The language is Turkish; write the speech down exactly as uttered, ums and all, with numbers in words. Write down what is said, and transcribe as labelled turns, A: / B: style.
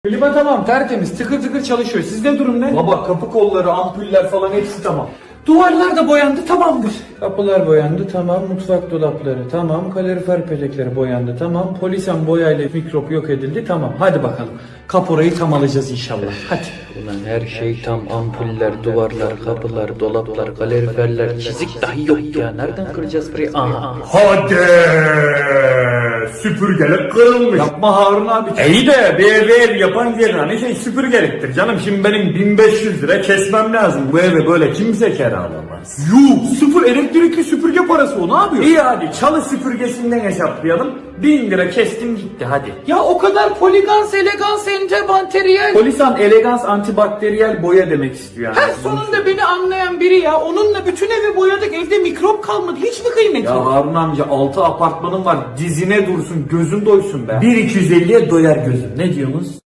A: Klima tamam, tertemiz, tıkır tıkır çalışıyor. Sizde durum ne?
B: Baba kapı kolları, ampuller falan hepsi tamam.
A: Duvarlar da boyandı, tamamdır. Kapılar boyandı, tamam. Mutfak dolapları, tamam. Kalorifer petekleri boyandı, tamam. Polisen boyayla mikrop yok edildi, tamam. Hadi bakalım. Kaporayı tam alacağız inşallah. Hadi.
C: Ulan her şey tam, ampuller, duvarlar, kapılar, dolaplar, kaloriferler, çizik dahi yok ya. Nereden kıracağız burayı? Aha.
B: Hadi! Süpürgelik kırılmış.
A: Yapma Harun abi.
B: İyi de bir eve ev yapan yerine hani şey süpürgeliktir canım. Şimdi benim bin beş yüz lira kesmem lazım. Bu eve böyle kimse kiralamaz.
A: Yuh, sıfır elektrikli süpürge parası o, ne yapıyor?
B: İyi hadi çalı süpürgesinden hesaplayalım. Bin lira kestim gitti hadi.
A: Ya o kadar poligans, elegans, antibakteriyel.
B: Polisan elegans antibakteriyel boya demek istiyor yani.
A: Her sonunda beni anlayan biri ya. Onunla bütün evi boyadık, evde mikrop kalmadı. Hiç mi kıymeti
B: Ya
A: yok?
B: Harun amca altı apartmanım var, dizine dursun gözün doysun be. bir iki yüz elliye doyar gözüm, ne diyorsunuz?